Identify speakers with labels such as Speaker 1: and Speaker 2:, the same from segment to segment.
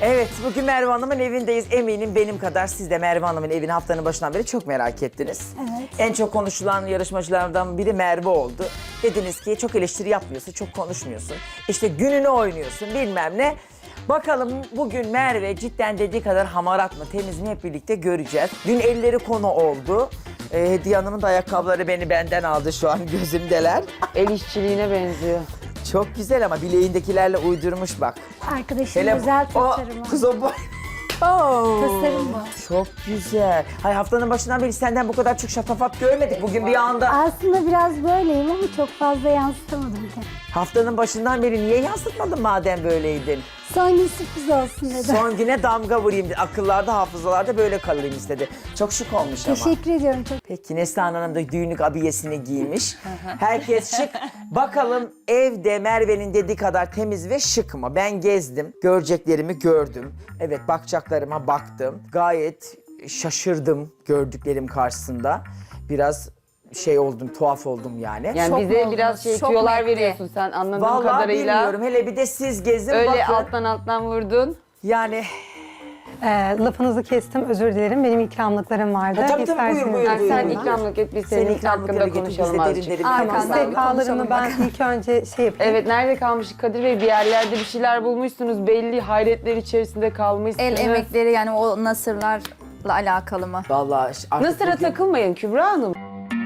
Speaker 1: Evet, bugün Merve Hanım'ın evindeyiz. Eminim benim kadar siz de Merve Hanım'ın evini haftanın başından beri çok merak ettiniz.
Speaker 2: Evet.
Speaker 1: En çok konuşulan yarışmacılardan biri Merve oldu. Dediniz ki çok eleştiri yapmıyorsun, çok konuşmuyorsun. İşte gününü oynuyorsun bilmem ne. Bakalım bugün Merve cidden dediği kadar hamarat mı, temiz mi hep birlikte göreceğiz. Dün elleri konu oldu. Hediye Hanım'ın da ayakkabıları benden aldı şu an gözümdeler.
Speaker 3: El işçiliğine benziyor.
Speaker 1: Çok güzel ama bileğindekilerle uydurmuş bak.
Speaker 2: Arkadaşım özel tasarımı.
Speaker 1: Kız o boy.
Speaker 2: Tasarım bu.
Speaker 1: Çok güzel. Hay haftanın başından beri senden bu kadar çok şatafat görmedik. Bugün bir anda
Speaker 2: Aslında biraz böyleyim ama çok fazla yansıtamadım ki.
Speaker 1: haftanın başından beri niye yansıtmadın madem böyleydin?
Speaker 2: Son gün sürpriz olsun dedim.
Speaker 1: Son güne damga vurayım dedi. Akıllarda, hafızalarda böyle kalayım istedi. Çok şık olmuş ama.
Speaker 2: Teşekkür ediyorum çok.
Speaker 1: Peki Neslihan Hanım da düğünlük abiyesini giymiş. Herkes şık. Bakalım evde Merve'nin dediği kadar temiz ve şık mı? Ben gezdim, göreceklerimi gördüm. Evet, bakacaklarıma baktım. Gayet şaşırdım gördüklerim karşısında. Biraz şey oldum, tuhaf oldum yani.
Speaker 3: Yani
Speaker 4: Şok mu
Speaker 3: bize
Speaker 4: oldunuz?
Speaker 3: biraz
Speaker 4: Şok mu
Speaker 3: tüyolar
Speaker 4: etti?
Speaker 3: veriyorsun sen anladığım
Speaker 1: Vallahi
Speaker 3: kadarıyla.
Speaker 1: bilmiyorum. Hele bir de siz gezin
Speaker 3: Öyle
Speaker 1: bakın.
Speaker 3: alttan vurdun.
Speaker 1: Yani
Speaker 5: Lafınızı kestim, özür dilerim. Benim ikramlıklarım vardı.
Speaker 1: Ha, tabii, tabii,
Speaker 5: İsterseniz
Speaker 1: buyur, buyur,
Speaker 3: Yani
Speaker 1: buyur.
Speaker 3: sen
Speaker 1: buyurun.
Speaker 3: ikramlık et biz
Speaker 1: senin
Speaker 3: senin
Speaker 1: ikramlıkları
Speaker 3: hakkında
Speaker 1: getir, biz de
Speaker 3: konuşalım
Speaker 1: derin
Speaker 3: azıcık.
Speaker 1: derin
Speaker 4: Arkandan
Speaker 1: konuşalım.
Speaker 5: Sefalarımı ben ilk önce şey yapayım.
Speaker 3: Evet nerede kalmıştık Kadir Bey? Bir yerlerde bir şeyler bulmuşsunuz. Belli hayretler içerisinde kalmışsınız.
Speaker 4: El emekleri yani o nasırlarla alakalı mı?
Speaker 1: Vallahi artık
Speaker 3: Nasır'a
Speaker 1: bugün-
Speaker 3: takılmayın Kübra Hanım.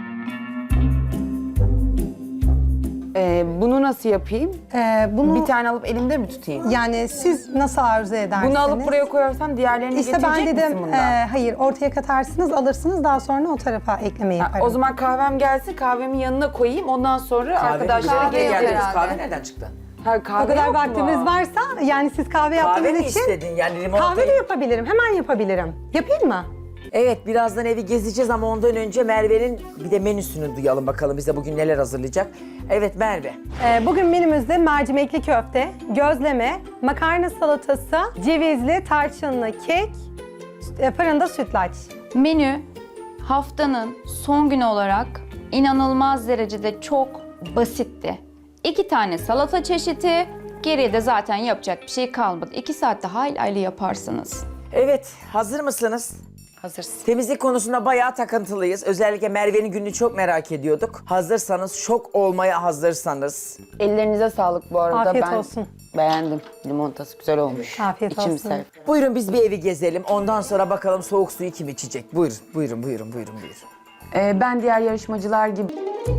Speaker 3: Bunu nasıl yapayım?
Speaker 5: Bunu
Speaker 3: Bir tane alıp elimde mi tutayım?
Speaker 5: yani siz nasıl arzu edersiniz?
Speaker 3: Bunu alıp buraya koyarsam diğerlerini
Speaker 5: İşte ben
Speaker 3: getirecek
Speaker 5: dedim
Speaker 3: misin bundan?
Speaker 5: hayır ortaya katarsınız alırsınız daha sonra o tarafa ekleme yaparım.
Speaker 3: O zaman kahvem gelsin, kahvemin yanına koyayım. Ondan sonra arkadaşlara
Speaker 4: Kahve
Speaker 3: geri
Speaker 4: yok
Speaker 3: geliriz.
Speaker 4: herhalde.
Speaker 1: Kahve nereden çıktı?
Speaker 3: Ha, kahve
Speaker 5: o kadar
Speaker 3: yok mu?
Speaker 5: vaktiniz varsa yani siz kahve
Speaker 1: Kahve
Speaker 5: yaptığınız
Speaker 1: mi
Speaker 5: için
Speaker 1: istedin yani limonata?
Speaker 5: kahve de yapabilirim. Hemen yapabilirim. Yapayım mı?
Speaker 1: Evet, birazdan evi gezeceğiz ama ondan önce Merve'nin bir de menüsünü duyalım bakalım bize bugün neler hazırlayacak. Evet Merve.
Speaker 5: Bugün menümüzde mercimekli köfte, gözleme, makarna salatası, cevizli, tarçınlı kek, fırında sütlaç.
Speaker 6: Menü haftanın son günü olarak inanılmaz derecede çok basitti. 2 tane salata çeşidi, geriye de zaten yapacak bir şey kalmadı. 2 saatte hayli yaparsınız.
Speaker 1: Evet, hazır mısınız?
Speaker 3: Hazırsın.
Speaker 1: Temizlik konusunda bayağı takıntılıyız. Özellikle Merve'nin gününü çok merak ediyorduk. Hazırsanız, şok olmaya hazırsanız.
Speaker 3: Ellerinize sağlık bu arada.
Speaker 5: Afiyet
Speaker 3: ben
Speaker 5: olsun.
Speaker 3: beğendim. Limonatası güzel olmuş.
Speaker 5: Afiyet
Speaker 3: İçim
Speaker 5: olsun.
Speaker 3: sev.
Speaker 1: Buyurun biz bir evi gezelim. Ondan sonra bakalım soğuk suyu kim içecek? Buyurun, buyurun, buyurun, buyurun, buyurun.
Speaker 3: Ben diğer yarışmacılar gibi...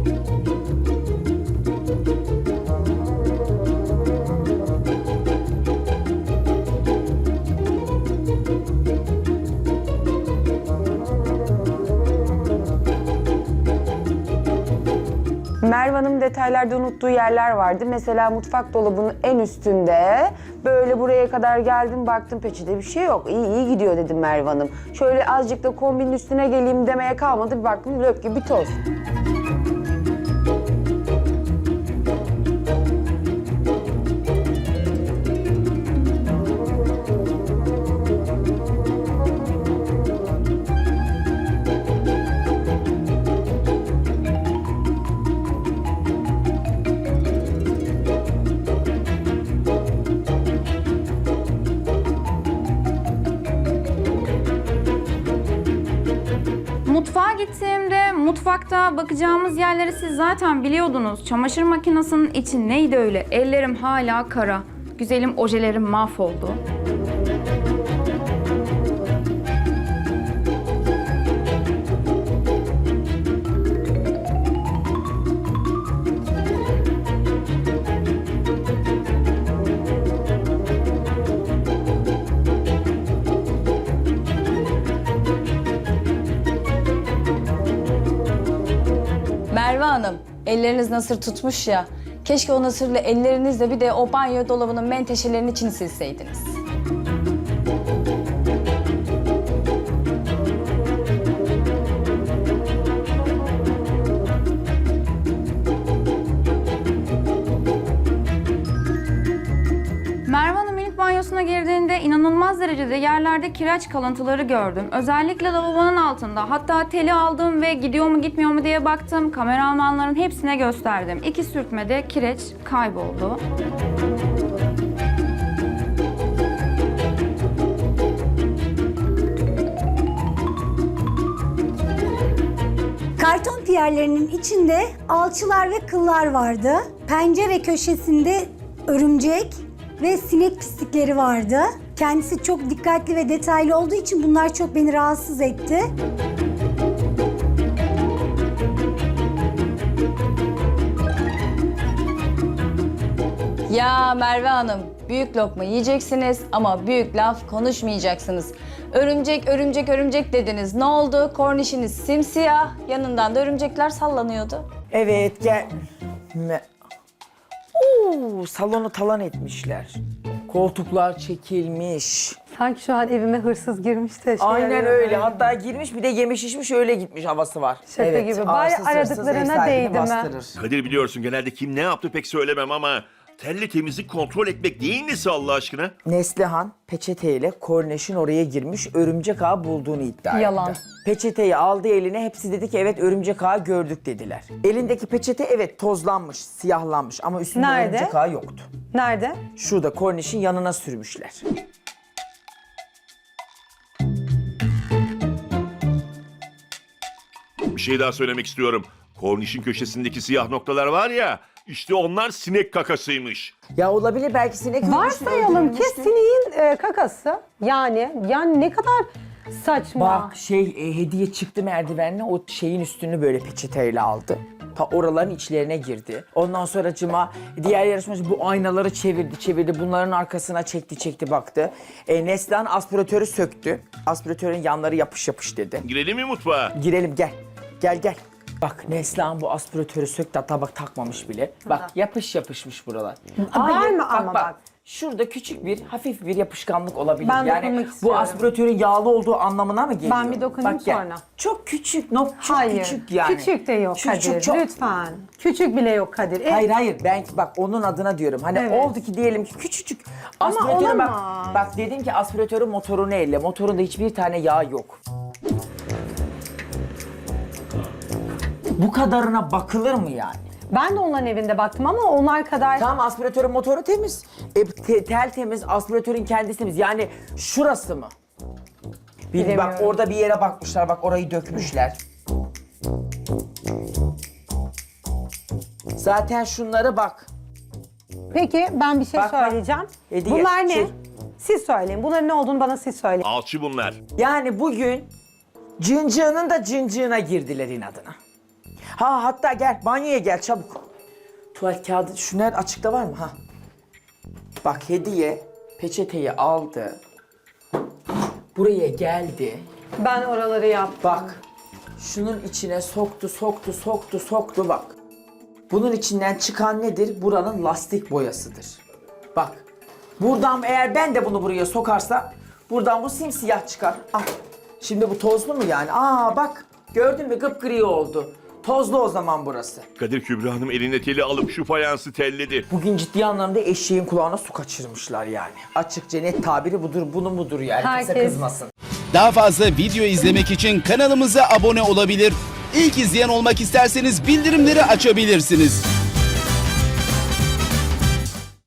Speaker 3: Merve Hanım detaylarda unuttuğu yerler vardı. Mesela mutfak dolabının en üstünde böyle buraya kadar geldim baktım peçete bir şey yok. İyi iyi gidiyor dedim Merve Hanım. Şöyle azıcık da kombinin üstüne geleyim demeye kalmadı. Bir baktım lök gibi toz.
Speaker 6: Mutfağa gittiğimde mutfakta bakacağımız yerleri siz zaten biliyordunuz. Çamaşır makinesinin içi neydi öyle? Ellerim hala kara. Güzelim ojelerim mahvoldu.
Speaker 7: Merve Hanım, elleriniz nasır tutmuş ya. Keşke o nasırlı ellerinizle bir de o banyo dolabının menteşelerinin içini silseydiniz.
Speaker 6: Merve Hanım ilk banyosuna girdiğinde inanılmaz derecede yerlerde kireç kalıntıları gördüm. Özellikle lavabonun altında. Hatta teli aldım ve gidiyor mu gitmiyor mu diye baktım. Kameramanların hepsine gösterdim. 2 sürtmede kireç kayboldu.
Speaker 8: Karton piyerlerinin içinde alçılar ve kıllar vardı. Pencere köşesinde örümcek ve sinek pislikleri vardı. Kendisi çok dikkatli ve detaylı olduğu için bunlar çok beni rahatsız etti.
Speaker 7: Ya Merve Hanım, büyük lokma yiyeceksiniz ama büyük laf konuşmayacaksınız. Örümcek, örümcek, örümcek dediniz. Ne oldu? Kornişiniz simsiyah, yanından da örümcekler sallanıyordu.
Speaker 1: Evet gel. Oo, salonu talan etmişler. Koltuklar çekilmiş.
Speaker 5: Sanki şu an evime hırsız girmiş de.
Speaker 1: Aynen
Speaker 5: arıyor
Speaker 1: öyle.
Speaker 5: böyle.
Speaker 1: Hatta girmiş bir de yemiş içmiş öyle gitmiş havası var.
Speaker 5: Şaka gibi. Bari
Speaker 1: arsız hırsız
Speaker 5: aradıklarına
Speaker 1: ev sahibini
Speaker 5: değdi mi?
Speaker 1: bastırır.
Speaker 9: Kadir biliyorsun genelde kim ne yaptı pek söylemem ama telli temizlik kontrol etmek neyin nesi Allah aşkına?
Speaker 1: Neslihan peçeteyle korneşin oraya girmiş örümcek ağı bulduğunu iddia
Speaker 5: Yalan.
Speaker 1: etti. Peçeteyi aldı eline, hepsi dedi ki evet örümcek ağı gördük dediler. Elindeki peçete evet tozlanmış, siyahlanmış ama üstünde
Speaker 5: Nerede?
Speaker 1: örümcek ağı yoktu.
Speaker 5: Nerede?
Speaker 1: Şurada korneşin yanına sürmüşler.
Speaker 9: Bir şey daha söylemek istiyorum. Kornişin köşesindeki siyah noktalar var ya, işte onlar sinek kakasıymış.
Speaker 1: Ya olabilir belki sinek
Speaker 5: Varsayalım ki sineğin kakası. Yani ne kadar saçma.
Speaker 1: Bak hediye çıktı merdivenle o şeyin üstünü böyle peçeteyle aldı. Ta oraların içlerine girdi. Ondan sonra diğer yarışmacı bu aynaları çevirdi. Bunların arkasına çekti baktı. Neslihan aspiratörü söktü. Aspiratörün yanları yapış dedi.
Speaker 9: Girelim mi mutfağa?
Speaker 1: Girelim gel. Bak Neslihan bu aspiratörü söktü hatta bak takmamış bile. Bak yapışmış buralar.
Speaker 5: Var mı ama bak.
Speaker 1: Şurada hafif bir yapışkanlık olabilir.
Speaker 5: Ben
Speaker 1: yani
Speaker 5: dokunmak
Speaker 1: bu
Speaker 5: istiyorum.
Speaker 1: aspiratörün yağlı olduğu anlamına mı geliyor?
Speaker 5: Ben bir dokunayım
Speaker 1: Bak, gel.
Speaker 5: sonra.
Speaker 1: Çok küçük,
Speaker 5: Hayır.
Speaker 1: küçük yani.
Speaker 5: Küçük de yok Kadir.
Speaker 1: çok.
Speaker 5: Lütfen. Küçük bile yok Kadir.
Speaker 1: Hayır ben bak onun adına diyorum. Hani
Speaker 5: Evet.
Speaker 1: oldu ki diyelim ki küçücük.
Speaker 5: Ama
Speaker 1: Aspiratörün
Speaker 5: olamaz.
Speaker 1: bak dedim ki aspiratörün motorunu elle. Motorunda hiçbir tane yağ yok. Bu kadarına bakılır mı yani?
Speaker 5: Ben de onların evinde baktım ama onlar kadar...
Speaker 1: Tamam aspiratörün motoru temiz. Tel temiz, aspiratörün kendisi temiz. Yani şurası mı? Bak
Speaker 5: Bilemiyorum.
Speaker 1: orada bir yere bakmışlar, bak orayı dökmüşler. Zaten şunları bak.
Speaker 5: Peki ben bir şey
Speaker 1: Bak,
Speaker 5: söyleyeceğim.
Speaker 1: Hediye.
Speaker 5: Bunlar ne?
Speaker 1: Şey.
Speaker 5: Siz söyleyin. Bunların ne olduğunu bana siz söyleyin.
Speaker 9: Alçı bunlar.
Speaker 1: Yani bugün cıncığının da cıncığına girdiler inadına. Hatta gel banyoya gel çabuk. Tuvalet kağıdı şunlar açıkta var mı? Bak hediye peçeteyi aldı. Buraya geldi.
Speaker 5: Ben oraları yaptım.
Speaker 1: Bak şunun içine soktu bak. Bunun içinden çıkan nedir? Buranın lastik boyasıdır. Bak buradan eğer ben de bunu buraya sokarsam buradan bu simsiyah çıkar. Al. Şimdi bu tozlu mu yani? Bak gördün mü gıpgri oldu. Tozlu o zaman burası.
Speaker 9: Kadir Kübra Hanım eline teli alıp şu fayansı telledi.
Speaker 1: Bugün ciddi anlamda eşeğin kulağına su kaçırmışlar yani. Açıkça net tabiri budur, bunu budur yani. Kimse
Speaker 5: Herkes-
Speaker 1: kızmasın.
Speaker 10: Daha fazla video izlemek için kanalımıza abone olabilir. İlk izleyen olmak isterseniz bildirimleri açabilirsiniz.